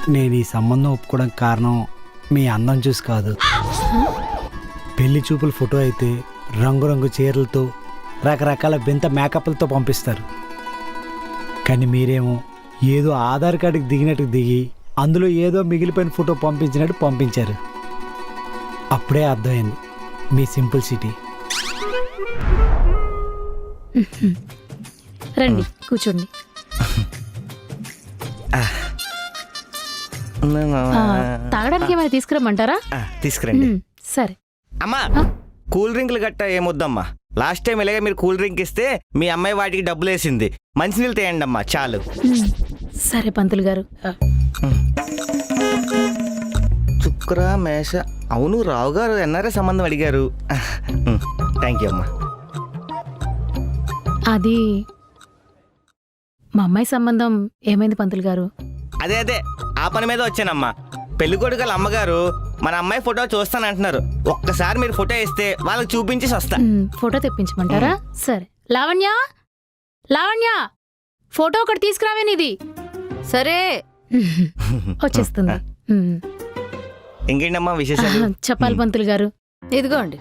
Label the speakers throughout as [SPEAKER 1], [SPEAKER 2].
[SPEAKER 1] నేను ఈ సంబంధం ఒప్పుకోవడానికి కారణం మీ అందం చూసి కాదు. పెళ్లి చూపుల ఫోటో అయితే రంగురంగు చీరలతో రకరకాల వింత మేకప్లతో పంపిస్తారు. కానీ మీరేమో ఏదో ఆధార్ కార్డుకి దిగినట్టు దిగి అందులో ఏదో మిగిలిపోయిన ఫోటో పంపించినట్టు పంపించారు. అప్పుడే అర్థమైంది మీ సింపుల్ సిటీ.
[SPEAKER 2] రండి కూర్చోండి. తాగడానికి ఏమైనా తీసుకురమ్మంటారా?
[SPEAKER 3] తీసుకురండి.
[SPEAKER 2] సరే.
[SPEAKER 3] అమ్మా కూల్ డ్రింక్లు గట్ట ఏమొద్దమ్మా. లాస్ట్ టైం ఇలాగే మీరు కూల్ డ్రింక్ ఇస్తే మీ అమ్మాయి వాటికి డబ్బులు వేసింది. మంచినీళ్ళు తేయండి అమ్మా చాలు.
[SPEAKER 2] సరే పంతులు గారు.
[SPEAKER 3] శుక్ర మేష. అవును రావు గారు ఎన్ఆర్ఐ సంబంధం అడిగారు. థ్యాంక్ యూ అమ్మా.
[SPEAKER 2] అది మా అమ్మాయి సంబంధం ఏమైంది పంతులు గారు?
[SPEAKER 3] అదే ఆ పని మీద వచ్చానమ్మా. పెళ్లి కొడుకుల అమ్మగారు మన అమ్మాయి ఫోటో చూస్తానంటున్నారు. ఒక్కసారి మీరు ఫోటో ఇస్తే వాళ్ళకి చూపించేసి వస్తా.
[SPEAKER 2] ఫోటో తెప్పించమంటారా? సరే. లావణ్య లావణ్య ఫోటో ఒకటి తీసుకురావే నీది.
[SPEAKER 4] సరే
[SPEAKER 2] వచ్చేస్తుంది.
[SPEAKER 3] ఇంకేంటమ్మా విశేషాలు?
[SPEAKER 2] చెప్పాలి పంతులు గారు.
[SPEAKER 4] ఇదిగోండి.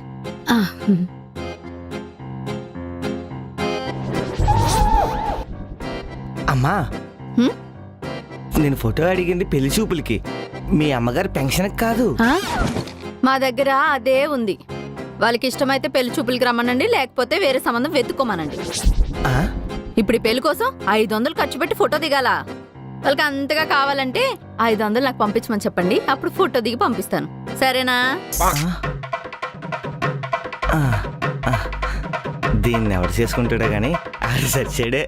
[SPEAKER 3] అమ్మా నేను ఫోటో అడిగింది పెళ్లి చూపులకి, మీ అమ్మగారు పెన్షన్కి కాదు.
[SPEAKER 4] మా దగ్గర అదే ఉంది. వాళ్ళకి ఇష్టమైతే పెళ్లి చూపులకి రమ్మనండి, లేకపోతే వేరే సంబంధం వెతుక్కోమనండి. ఇప్పుడు ఈ పెళ్లి కోసం 500 ఖర్చు పెట్టి ఫోటో దిగాల. వాళ్ళకి అంతగా కావాలంటే 500 నాకు పంపించమని చెప్పండి, అప్పుడు ఫోటో దిగి పంపిస్తాను. సరేనా?
[SPEAKER 3] దీన్ని ఎవరు చేసుకుంటాడో గానీ అది సచ్చాడే.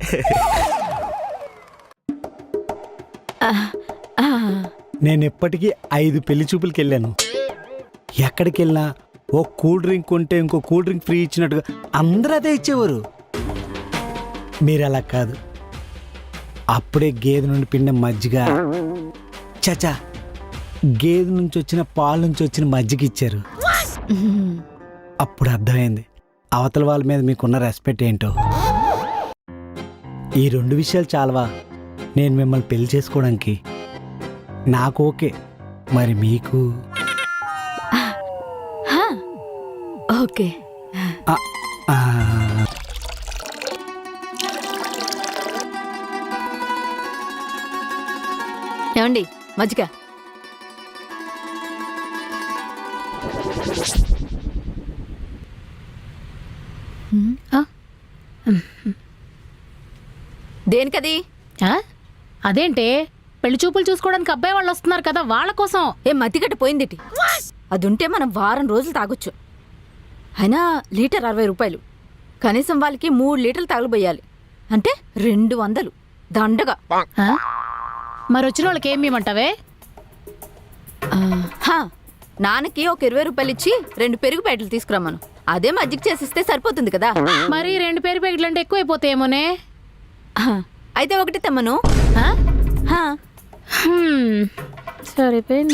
[SPEAKER 1] నేను ఎప్పటికీ 5 పెళ్లి చూపులకి వెళ్ళాను. ఎక్కడికి వెళ్ళినా ఓ కూల్ డ్రింక్ ఉంటే ఇంకో కూల్ డ్రింక్ ఫ్రీ ఇచ్చినట్టుగా అందరూ అదే ఇచ్చేవారు. మీరు అలా కాదు. అప్పుడే గేదె నుండి పిండిన మజ్జిగ, చచా గేదె నుంచి వచ్చిన పాలు నుంచి వచ్చిన మజ్జిగ ఇచ్చారు. అప్పుడు అర్థమైంది అవతల వాళ్ళ మీద మీకున్న రెస్పెక్ట్ ఏంటో. ఈ 2 విషయాలు చాలవా నేను మిమ్మల్ని పెళ్లి చేసుకోవడానికి? నాకు ఓకే, మరి మీకు?
[SPEAKER 4] ఓకే. ఏమండి మజ్జిగ? దేనికది?
[SPEAKER 2] అదేంటే పెళ్లి చూపులు చూసుకోవడానికి అబ్బాయి వాళ్ళు వస్తున్నారు కదా, వాళ్ళ కోసం.
[SPEAKER 4] ఏం మతిగట్ట పోయిందిటి? అది ఉంటే మనం వారం రోజులు తాగొచ్చు. అయినా లీటర్ 60 రూపాయలు. కనీసం వాళ్ళకి 3 లీటర్లు తగలబోయాలి అంటే 200 దండగా.
[SPEAKER 2] మరి వచ్చిన వాళ్ళకి ఏమి ఇవ్వమంటావే?
[SPEAKER 4] నాన్నకి ఒక 20 రూపాయలు ఇచ్చి 2 పెరుగు ప్యాకెట్లు తీసుకురమ్మను. అదే మజ్జిగ చేసిస్తే సరిపోతుంది కదా.
[SPEAKER 2] మరి 2 పెరుగు ప్యాకెట్లు అంటే ఎక్కువ అయిపోతాయేమోనే.
[SPEAKER 4] అయితే ఒకటి తెమ్మను.
[SPEAKER 2] సరిపోయింది.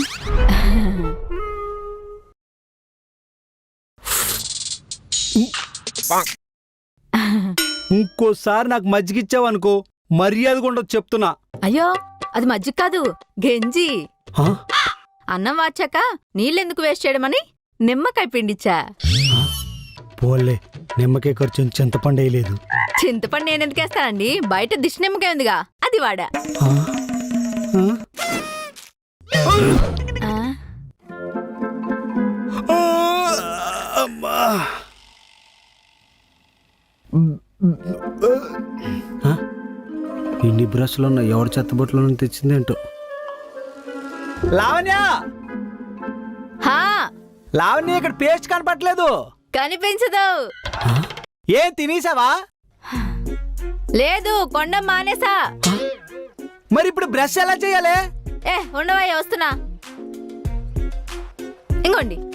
[SPEAKER 1] ఇంకోసారి నాకు మజ్జిగ ఇచ్చావనుకో మర్యాదగా ఉండదు చెప్తున్నా.
[SPEAKER 4] అయ్యో అది మజ్జిగ కాదు, గెంజి. అన్నం వాచాక నీళ్ళెందుకు వేస్ట్ చేయడమని నిమ్మకాయ పిండిచ్చా.
[SPEAKER 1] పోలే, నిమ్మకాయ ఖర్చు చింతపండు వేయలేదు.
[SPEAKER 4] చింతపండు నేనెందుకు వేస్తానండి, బయట దిష్టి నిమ్మకాయ ఉందిగా అది వాడా.
[SPEAKER 1] ఇన్ని బ్రష్లు ఉన్న ఎవరి చెత్తబొట్లో తెచ్చిందేంటో. లావణ్య లావణ్య ఇక్కడ పేస్ట్ కనపట్లేదు.
[SPEAKER 4] కనిపించదు.
[SPEAKER 1] ఏం తినేసావా?
[SPEAKER 4] లేదు, కొండ మానేసా.
[SPEAKER 1] మరి ఇప్పుడు బ్రష్ ఎలా చేయాలి?
[SPEAKER 4] ఉండవయ్య వస్తున్నా. ఇంకోండి